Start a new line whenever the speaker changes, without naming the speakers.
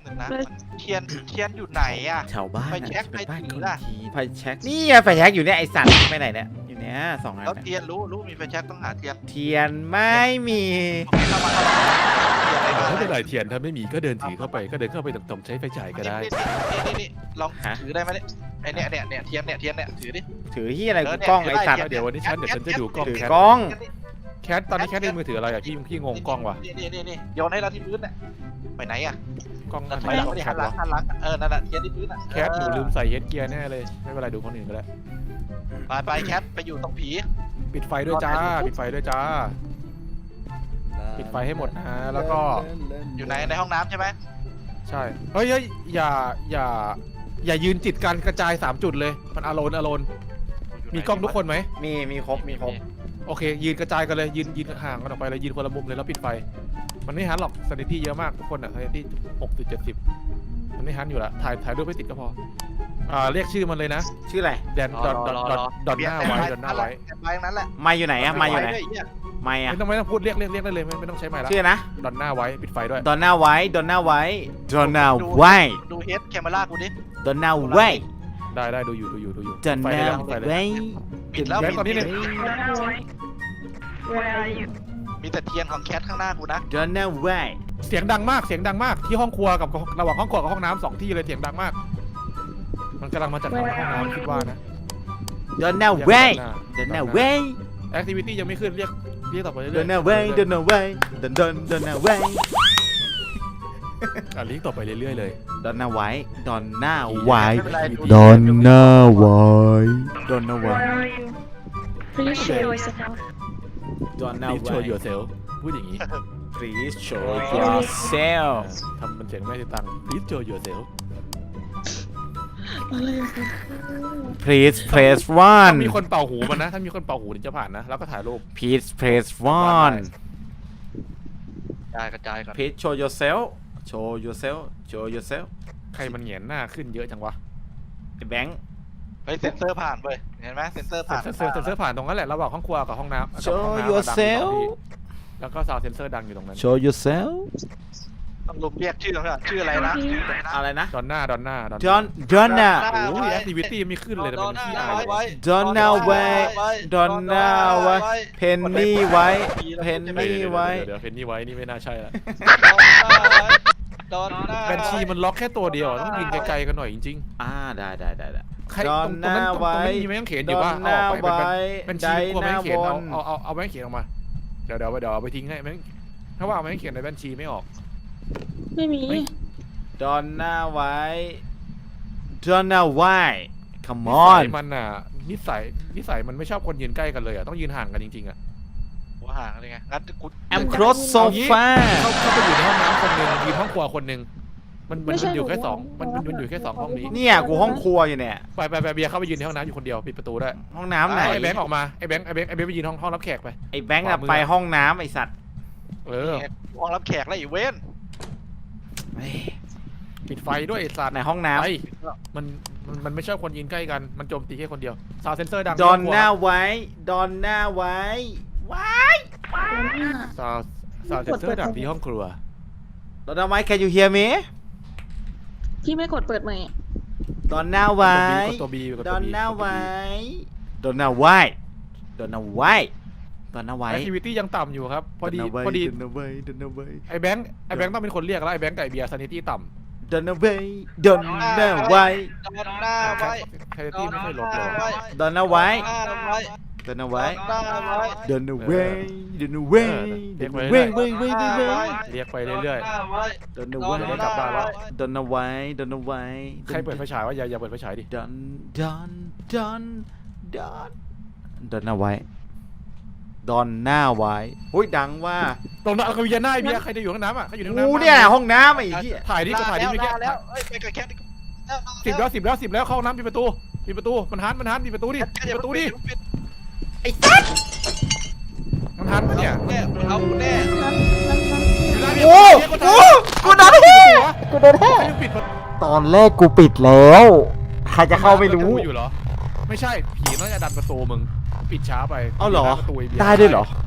นึงนะเทียนอยู่ไหนอะ
ชาวบ้าน
ไฟแช็ก
เป็นบ้าน
ไฟ
คน
ล่ะ
ทีไฟแช็กนี่ไงไฟแช็กอยู่เนี่ยไอสัตว์ไปไหนเนี่ยอยู่เนี่ย2 อัน
แล้ว
เนี่ย
เทียนรู้มีไฟแช็กต้องหาเทียน
เทียนไม่มี
เข้ามาเทียน
ไม่เป็นไรเทียนถ้าไม่มีก็เดินถือเข้าไปก็เดินเข้าไปตรงๆใช้ไฟฉายก็ได้
นี่ลองถือได้ไหมเนี่ยไอเนี่ยเทียนเนี่ยถือดิ
ถือที่อะไรกูกล้องไอสัตว์
เดี๋ยววันนี้ฉันจะดูกล้อง
ถือ
แคท
กล้อง
แคทตอนนี้แคทในมือถืออะไรอ่ะพี่งงกล้องว่ะ
นี่โยนให้เราที่พื้นเนี่ยไปไหนอะ
กล้อง
ถอยหลัง
กล้อง
ไม่
แค
หั
ท
นหลั
วะ
งนั่นแหละเทียนที่พื้นอะ
แคทหนูลืมใส่เฮดเกียร์แน่เลยไม่เป็นไรดูคนอื่นก็ได้
ไปแคทไปอยู่ตรงผี
ปิดไฟด้วยจ้าปิดไฟด้วยจ้าปิดไฟให้หมดนะแล้วก็
อยู่ในห้องน้ำใช่ไหม
ใช่เฮ้ยอย่ายืนจิตกันกระจาย3 จุดเลยมันอโลนมีกล้องทุกคนไหม
มีครบมีครบ
โอเคยืนกระจายกันเลยยืนห่างกันออกไปเลยยืนคนละมุมเลยแล้วปิดไฟมันไม่ฮันหรอกสถิติเยอะมากทุกคนอ่ะสถิติ6.70มันไม่ฮันอยู่ละถ่ายรูปไม่ติดก็พอเรียกชื่อมันเลยนะ
ชื่ออะไร
แดนดอนหน้าไว้
ไปนั้นแหละ
ไม่อยู่ไหนอะไม่อยู่ไหนไม่อะ
ไม่ต้องพูดเรียกได้เลยไม่ต้องใช้ไม้ละ
ชื่อนะ
ดอนหน้าไว้ปิดไฟด้วย
ดอนน่าไว้ดอนน่าไว้ดอนน่าไว้
ดูเฮดแคมเมรากูดิ
ดอนน่าไว้
ได้ดูอยู่
ดอนน่า
ไฟเลย
ไว้
ปิดแล้ว
ตอนนี้เนี่ย
มีแต่เทียนของแคทข้างหน้ากูนะ
ดอนน่าไว้
เสียงดังมากที่ห้องครัวกับระหว่างห้องครัวกับห้องน้ำ2 ที่เลยเสียงดังมากมันกำลังมาจากห้องน้ำคิดว่านะ
ดอนน่าไว้ดอนน่าไว้
แอคทิวิตี้ยังไม่ขึ้นเรียกต่อไปเรื่อย
ดอนน่าไว้ดอนน่าไว้ดอนน่าไว้
เรียกต่อไปเรื่อยๆเลย
ดอนน่าไว้ดอนน่าไว้
ดอน
น่าไว้ดอนน่าไว้
Please show yourself.
ดอนน่า
Please
ไว้
show yourself พูดอย่างนี้
Please show yourself
ทำมันเสียงไม่ได้ตังค์ Please show yourself
Please press
ถ้า
1
มีคนเป่าหูมันนะถ้ามีคนเป่าหูถึงจะผ่านนะแล้วก็ถ่ายรูป
Please press
กระจายก่อน
1 Please show yourself show yourself show yourself
ใครมันเหงียนหน้าขึ้นเยอะจังวะ
ไอ้แบงค์
เฮ้ยเซ็นเซอร์ผ่านเว้ยเห็นไหมเซ็นเซอร์ผ่าน
เซนเซอร์ผ่านตรงนั้นแหละระหว่างห้องครัวกับห้องน้ำกับ
Show
ห้องน้ำ
yourself
แล้วก็ซาวเซนเซอร์ดังอยู่ตรงนั้น
show yourself
ต้องลุมเรียกชื่อเขาชื่ออะไรนะ
อะไรนะ
ดอนหน้า
Don
น่า
Donna
โอ้ยแอคทิวิตี้ไม่ขึ้นเลยแต่เป็นที่อาย
Donna ไว้ Donna ไว้ Penny ไว้ Penny ไว้
เดี๋ยวเพนนี่ไว้นี่ไม่น่าใช่ละ
ดอนหน้า
แบนชีมันล็อกแค่ตัวเดียวต้องยืนไกลๆกันหน่อยจริง
ได้
ๆใครตรงนั้นตรงนี้มีแม่งเขียนอยู่ว่าเอาออกไปแบนชีกลัวแม่งเขียนเอาแม่งเขียนออกมาเดี๋ยวเอาไปทิ้งให้แม่งถ้าว่าเอาแม่งเขียนในแบนชีไม่ออก
ไม่มี
Donna ไว้ Donna ไว้ Come
นิสั
on
ยมันอ่ะนิสัยมันไม่ชอบคนยืนใกล้กันเลยอ่ะต้องยืนห่างกันจริงๆอ่ะ
หัวห่างเลยไงงั้นกู
I'm close so far
เข้าไปอยู่ในห้องน้ำคนหนึ่งยืนห้องครัวคนหนึ่งมันอยู่แค่2มันอยู่แค่2ห้องนี้
เนี่ยกูห้องครัวอยู่เนี่ย
ไปเบียร์เข้าไปยืนในห้องน้ำอยู่คนเดียวปิดประตูได้
ห้องน้ำไหน
ไอ้แบงค์ออกมาไอ้แบงค์ไปยืนห้องรับแขกไป
ไอ้แบงค์อะไปห้องน้ำไอ้สัตว์
ห้องรับแขกแล้วอีเว้น
ปิดไฟด้วยไอ้สัตว์
ในห้องน้
ไอ้มันไม่ชอบคนยืนใกล้กันมันโจมตีแค่คนเดียวซาวเซนเซอร์ดัง
ำ Donna ไว้ Donna ไว้ว้าย
ซาวเซนเซอร์ดังที่ห้องครัว
Donna ไว้ Can you hear me
พี่ไม่กดเปิดใหม่
Donna ไว้
ตัวบี
Donna ไว้ Donna ไว้ Donna ไว้ Donna ไว้
แอคทิวิตี้ยังต่ำอยู่ครับพอดี
Donna ไว้ Donna ไว้
ไอ้แบงค์ต้องเป็นคนเรียกแล้วไอ้แบงค์กับไอ้เบียร์ซานิตี้ต่ำ
Donna ไว้ Donna ไว้
ดอนหน้าไว้
ซานิตี้ไม่ค่อยลดเลย
Donna ไว้
ดอนหน้าไว้
Donna ไว้ Donna ไว้ Donna ไว้ Donna ไว้ไว้
เรียกไปเรื่อย
Donna ไว้
ๆกลับบ้านแล้ว
Donna ไว้ Donna ไว้
ใครเปิดไฟฉายวะอย่าเปิดไฟฉายดิ
Donna ไว้ Donna ไว้อุ้ยดังว่า
ตรงนั้นเขาอยู่หน้าไอ้เบียร์ใครจะอยู่ห้องน้ำอ่ะใครอยู่ในห้องน้ำ
กูเนี่ยห้องน้ำไอ้เหี้ย
ถ่ายดิก็ถ่ายดิเมื่อกี้
แล้วไปกับแคท
10 แล้วเข้าห้องน้ำปิดประตูมันหันปิดประตูดิปิดประตูดิ
ไอ้สัส
มันหันปะเนี่ย
แน่เอาแน่
โอ้กูโดนแฮ่กูโดนแฮ่
ปิดประตู
ตอนแรกกูปิดแล้วใครจะเข้าไม่รู้
อยู่เหรอไม่ใช่ผีน่าจะดันประตูมึงปิดช้าไป
เอาเหรอ
ประตูอ้บียร์
ได้ด้วยเหรอ